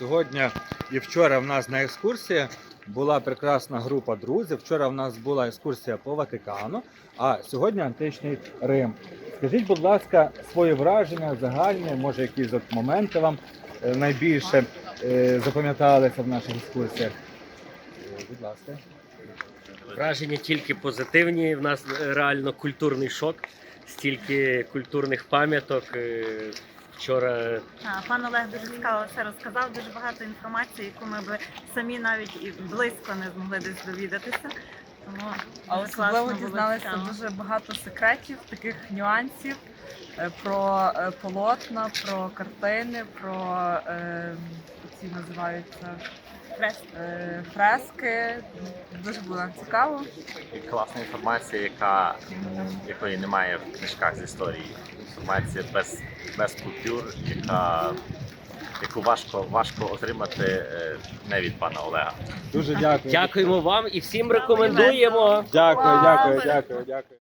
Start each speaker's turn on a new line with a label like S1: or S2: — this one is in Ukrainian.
S1: Сьогодні і вчора в нас на екскурсії була прекрасна група друзів. Вчора в нас була екскурсія по Ватикану, а сьогодні античний Рим. Скажіть, будь ласка, свої враження загальні, може якісь от моменти вам найбільше запам'яталися в наших екскурсіях? Будь ласка.
S2: Враження тільки позитивні. В нас реально культурний шок, стільки культурних пам'яток. Вчора
S3: Пан Олег дуже цікаво все розказав, дуже багато інформації, яку ми б самі навіть і близько не змогли десь довідатися. Тому
S4: А
S3: дуже
S4: особливо
S3: класно було,
S4: дізналися
S3: цікаво.
S4: дуже багато секретів, таких нюансів про полотна, про картини, про ці називаються фрески. Дуже було нам цікаво.
S5: І класна інформація, якої немає в книжках з історії. Інформація без купюр, яку важко отримати не від пана Олега.
S1: Дуже дякую.
S2: дякуємо вам і всім рекомендуємо.
S1: Дякую.